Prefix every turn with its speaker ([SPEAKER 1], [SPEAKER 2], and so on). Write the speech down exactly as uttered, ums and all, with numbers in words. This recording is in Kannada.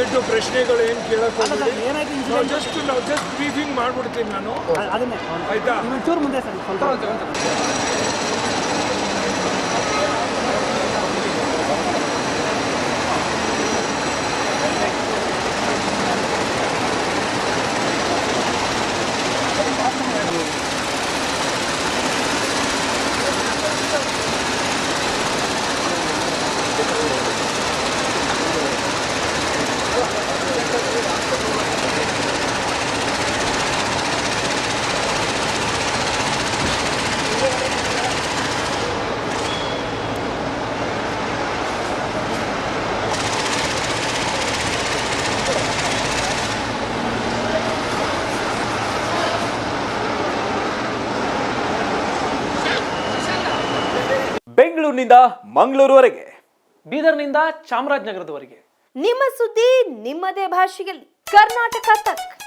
[SPEAKER 1] ದಯವಿಟ್ಟು ಪ್ರಶ್ನೆಗಳು ಏನು ಕೇಳಕ್ ಹೋಗ್ಬೇಡಿ.
[SPEAKER 2] ಏನಾಯ್ತು
[SPEAKER 1] ನಾವು
[SPEAKER 2] ಇನ್ಸಿಡೆಂಟ್
[SPEAKER 1] ಜಸ್ಟ್ ನಾವು ಜಸ್ಟ್ ಬ್ರೀಫಿಂಗ್ ಮಾಡ್ಬಿಡ್ತೀನಿ ನಾನು.
[SPEAKER 2] ಅದನ್ನೇ
[SPEAKER 1] ಆಯ್ತಾ?
[SPEAKER 2] ಇನ್ನೊಂಚೂರು ಮುಂದೆ ಸರ್ ಸ್ವಲ್ಪ
[SPEAKER 3] ಬೆಂಗಳೂರಿನಿಂದ ಮಂಗಳೂರುವರೆಗೆ,
[SPEAKER 2] ಬೀದರ್ನಿಂದ ಚಾಮರಾಜನಗರದವರೆಗೆ
[SPEAKER 4] ನಿಮ್ಮ ಸುದ್ದಿ ನಿಮ್ಮದೇ ಭಾಷೆಯಲ್ಲಿ ಕರ್ನಾಟಕ ತಕ್.